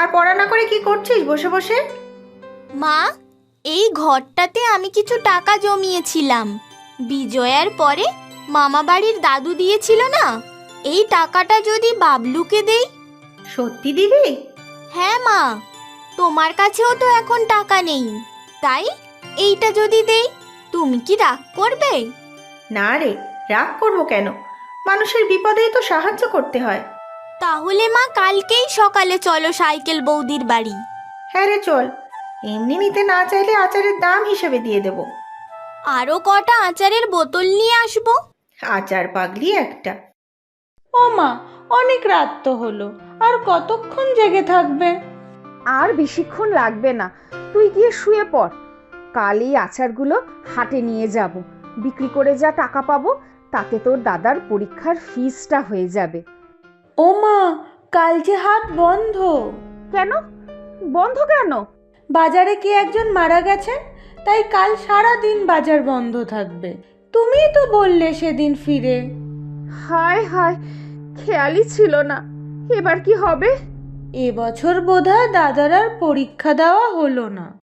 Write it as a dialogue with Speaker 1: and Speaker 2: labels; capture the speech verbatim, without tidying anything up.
Speaker 1: আর পড়া না করে কি করছিস বসে বসে?
Speaker 2: মা, এই ঘরটাতে আমি কিছু টাকা জমিয়েছিলাম। বিজয়ার পরে মামা বাড়ির দাদু দিয়েছিল না, এই টাকাটা যদি বাবলুকে দেই।
Speaker 1: সত্যি দিবি?
Speaker 2: হ্যাঁ মা, তোমার কাছেও তো এখন টাকা নেই, তাই এইটা যদি দেই, তুমি কি রাগ করবে?
Speaker 1: না রে, রাগ করবো কেন? মানুষের বিপদেই তো সাহায্য করতে হয়।
Speaker 2: তাহলে মা, কালকেই সকালে চলো সাইকেল বৌদির বাড়ি।
Speaker 1: হ্যাঁ রে, চল। এমনি নিতে না চাইলে আচারের দাম হিসেবে দিয়ে দেব।
Speaker 2: আরও কটা আচারের বোতল নিয়ে আসবো।
Speaker 1: আচার পাগলি একটা।
Speaker 3: ও মা, অনেক রাত তো হলো, আর কতক্ষণ জেগে থাকবে?
Speaker 4: আর বেশিক্ষণ লাগবে না, তুই গিয়ে শুয়ে পড়। কাল এই আচারগুলো হাটে নিয়ে যাব, বিক্রি করে যা টাকা পাবো তাতে তোর দাদার পরীক্ষার ফিসটা হয়ে যাবে।
Speaker 3: ও মা, কাল যে হাট বন্ধ।
Speaker 4: কেন বন্ধ? কেন?
Speaker 3: বাজারে কি একজন মারা গেছেন, তাই কাল সারা দিন বাজার বন্ধ থাকবে। তুমিই তো বললে সেদিন ফিরে।
Speaker 4: হায় হায়, খেয়ালই ছিল না। এবার কি হবে?
Speaker 3: এবছর বোধহয় দাদার আর পরীক্ষা দেওয়া হলো না।